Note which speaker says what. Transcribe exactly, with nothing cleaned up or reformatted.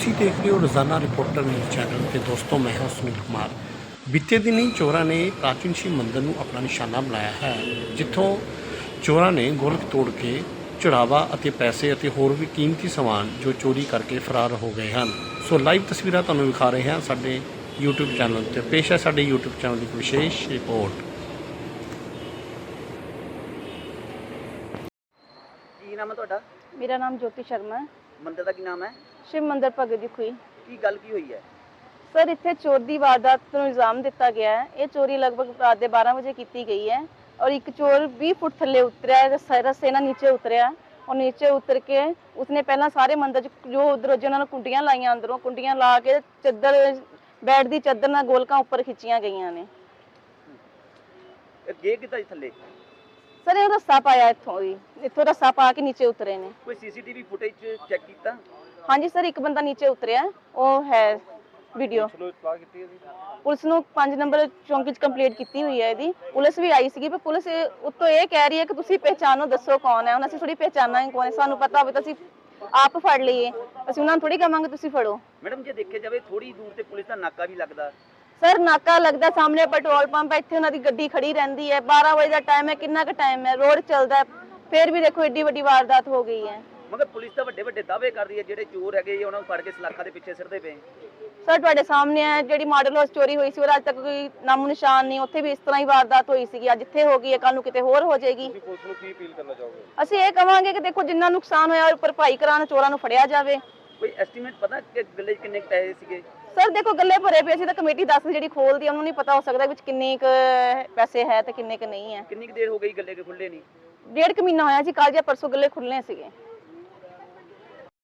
Speaker 1: ਤੁਸੀਂ ਦੇਖ ਰਹੇ ਹੋ ਰੋਜ਼ਾਨਾ ਰਿਪੋਰਟਰ ਨਿਊਜ਼ ਚੈਨਲ ਤੇ ਦੋਸਤੋ ਮੈਂ ਹਾਂ ਸੁਨੀਲ ਕੁਮਾਰ। ਬੀਤੇ ਦਿਨੀ ਚੋਰਾਂ ਨੇ ਪ੍ਰਾਚੀਨ ਸ਼ਿਵ ਮੰਦਰ ਨੂੰ ਆਪਣਾ ਨਿਸ਼ਾਨਾ ਬਣਾਇਆ ਹੈ, ਜਿੱਥੋਂ ਚੋਰਾਂ ਨੇ ਗੋਲਕ ਤੋੜ ਕੇ ਚੜਾਵਾ ਅਤੇ ਪੈਸੇ ਅਤੇ ਹੋਰ ਵੀ ਕੀਮਤੀ ਸਮਾਨ ਜੋ ਚੋਰੀ ਕਰਕੇ ਫਰਾਰ ਹੋ ਗਏ ਹਨ। ਸੋ ਲਾਈਵ ਤਸਵੀਰਾਂ ਤੁਹਾਨੂੰ ਵਿਖਾ ਰਹੇ ਹਾਂ ਸਾਡੇ YouTube ਚੈਨਲ ਤੇ। ਪੇਸ਼ ਹੈ ਸਾਡੇ YouTube ਚੈਨਲ ਦੀ ਇੱਕ ਵਿਸ਼ੇਸ਼ ਰਿਪੋਰਟ।
Speaker 2: ਕੀ ਨਾਮ ਹੈ ਤੁਹਾਡਾ?
Speaker 3: मेरा नाम ज्योति शर्मा है।
Speaker 2: ਮੰਦਿਰ ਦਾ ਕੀ ਨਾਮ ਹੈ?
Speaker 3: शिव मंदिर भगत जी खुई।
Speaker 2: ਕੀ ਗੱਲ ਕੀ ਹੋਈ ਹੈ?
Speaker 3: सर इत्थे चोर दी वारदात ਨੂੰ ਇਲਜ਼ਾਮ ਦਿੱਤਾ ਗਿਆ ਹੈ। ਇਹ ਚੋਰੀ ਲਗਭਗ ਰਾਤ ਦੇ ਬਾਰਾਂ ਵਜੇ ਕੀਤੀ ਗਈ ਹੈ और एक चोर बीस फुट थल्ले उतरिया है, रस्से ਨਾਲ नीचे उतरिया और नीचे उतर के उसने पहला सारे मंदिर जो उधर जिन्होंने कुंडियां लाइया अंदरों कुंडियां ला के चादर बैठ दी चादर ਨਾਲ ਗੋਲਕਾਂ ਉੱਪਰ ਖਿੱਚੀਆਂ ਗਈਆਂ ਨੇ।
Speaker 2: ਇਹ ਗੇ ਕਿੱਦਾਂ ਜੀ ਥੱਲੇ?
Speaker 3: ਸਰ ਇਹ ਰੱਸਾ ਪਾਇਆ ਇੱਥੋਂ ਦੀ, ਇੱਥੋਂ ਰੱਸਾ ਪਾ ਕੇ ਨੀਚੇ ਉਤਰੇ ਨੇ।
Speaker 2: ਕੋਈ ਸੀਸੀਟੀਵੀ ਫੁਟੇਜ ਚੈੱਕ ਕੀਤਾ?
Speaker 3: ਹਾਂਜੀ ਸਰ, ਇੱਕ ਬੰਦਾ ਨੀਚੇ ਉਤਰਿਆ, ਉਹ ਹੈ ਵੀਡੀਓ। ਪੁਲਿਸ ਨੂੰ ਪੰਜ ਨੰਬਰ ਚੌਂਕੀ ਚ ਕੰਪਲੀਟ ਕੀਤੀ ਹੋਈ ਹੈ ਇਹਦੀ। ਪੁਲਿਸ ਵੀ ਆਈ ਸੀਗੀ, ਪਰ ਪੁਲਿਸ ਉੱਤੋਂ ਇਹ ਕਹਿ ਰਹੀ ਹੈ ਕਿ ਤੁਸੀਂ ਪਹਿਚਾਨੋ, ਦੱਸੋ ਕੌਣ ਹੈ। ਹੁਣ ਅਸੀਂ ਥੋੜੀ ਪਹਿਚਾਨਾਂਗੇ ਕੌਣ ਹੈ, ਸਾਨੂੰ ਪਤਾ ਹੋਵੇ ਤਾਂ ਅਸੀਂ ਆਪ ਫੜ ਲਈਏ, ਅਸੀਂ ਉਹਨਾਂ ਨੂੰ ਥੋੜੀ ਕਹਾਂਗੇ ਤੁਸੀਂ ਫੜੋ।
Speaker 2: ਮੈਡਮ ਜੇ ਦੇਖਿਆ ਜਾਵੇ ਥੋੜੀ ਦੂਰ ਤੇ ਪੁਲਿਸ ਦਾ ਨਾਕਾ ਵੀ ਲੱਗਦਾ।
Speaker 3: ਸਰ ਨਾਕਾ ਲੱਗਦਾ, ਸਾਹਮਣੇ ਪੈਟਰੋਲ ਪੰਪ ਹੈ, ਇੱਥੇ ਉਹਨਾਂ ਦੀ ਗੱਡੀ ਖੜੀ ਰਹਿੰਦੀ ਹੈ। ਬਾਰਾਂ ਵਜੇ ਦਾ ਟਾਈਮ ਹੈ, ਕਿੰਨਾ ਕੁ ਟਾਈਮ ਹੈ, ਰੋਡ ਚੱਲਦਾ ਹੈ, ਫਿਰ ਵੀ ਦੇਖੋ ਏਡੀ ਵੱਡੀ ਵਾਰਦਾਤ ਹੋ ਗਈ ਹੈ।
Speaker 2: ਮਗਰ ਪੁਲਿਸ ਤਾਂ ਵੱਡੇ ਵੱਡੇ ਦਾਅਵੇ ਕਰ ਰਹੀ ਹੈ, ਜਿਹੜੇ ਚੋਰ ਹੈਗੇ ਉਹਨਾਂ ਨੂੰ ਫੜ ਕੇ ਸਲਾਖਾਂ ਦੇ ਪਿੱਛੇ ਸਿੱਟਦੇ ਪਏ।
Speaker 3: ਸਰ ਤੁਹਾਡੇ ਸਾਹਮਣੇ ਹੈ, ਜਿਹੜੀ ਮਾਡਲ ਹਾਊਸ ਚੋਰੀ ਹੋਈ ਸੀ ਉਹ ਅੱਜ ਤੱਕ ਕੋਈ ਨਾਮੋ ਨਿਸ਼ਾਨ ਨਹੀਂ, ਉੱਥੇ ਵੀ ਇਸ ਤਰ੍ਹਾਂ ਹੀ ਵਾਰਦਾਤ ਹੋਈ ਸੀਗੀ। ਅੱਜ ਇੱਥੇ ਹੋ ਗਈ ਹੈ, ਕੱਲ ਨੂੰ ਕਿਤੇ ਹੋਰ ਹੋ ਜਾਏਗੀ।
Speaker 2: ਤੁਸੀਂ ਪੁਲਿਸ ਨੂੰ ਕੀ ਅਪੀਲ ਕਰਨਾ ਚਾਹੋਗੇ?
Speaker 3: ਅਸੀਂ ਇਹ ਕਵਾਂਗੇ ਕਿ ਦੇਖੋ ਜਿੰਨਾ ਨੁਕਸਾਨ ਹੋਇਆ ਉਹ ਭਰਪਾਈ ਕਰਾਉਣ, ਚੋਰਾਂ ਨੂੰ ਫੜਿਆ ਜਾਵੇ।
Speaker 2: ਕੋਈ ਐਸਟੀਮੇਟ ਪਤਾ ਕਿ ਗੱਲੇ 'ਚ ਕਿੰਨੇ ਕੁ ਪੈਸੇ ਸੀਗੇ?
Speaker 3: ਸਰ ਦੇਖੋ ਗੱਲੇ ਭਰੇ ਪਏ ਸੀ ਤਾਂ ਕਮੇਟੀ ਦੱਸ ਜਿਹੜੀ ਖੋਲਦੀ, ਉਹਨੂੰ ਨਹੀਂ ਪਤਾ ਹੋ ਸਕਦਾ ਵਿੱਚ ਕਿੰਨੇ ਕੁ ਪੈਸੇ ਹੈ ਤੇ ਕਿੰਨੇ ਕੁ ਨਹੀਂ ਹੈ।
Speaker 2: ਕਿੰਨੀ ਕੁ ਦੇਰ ਹੋ ਗਈ ਗੱਲੇ ਕੇ ਖੁੱਲੇ ਨਹੀਂ?
Speaker 3: ਡੇਢ ਕੁ ਮਹੀਨਾ ਹੋਇਆ ਜੀ, ਕੱਲ ਜਾਂ ਪਰਸੋਂ ਗੱਲੇ ਖੁੱਲ੍ਹਣੇ ਸੀਗੇ।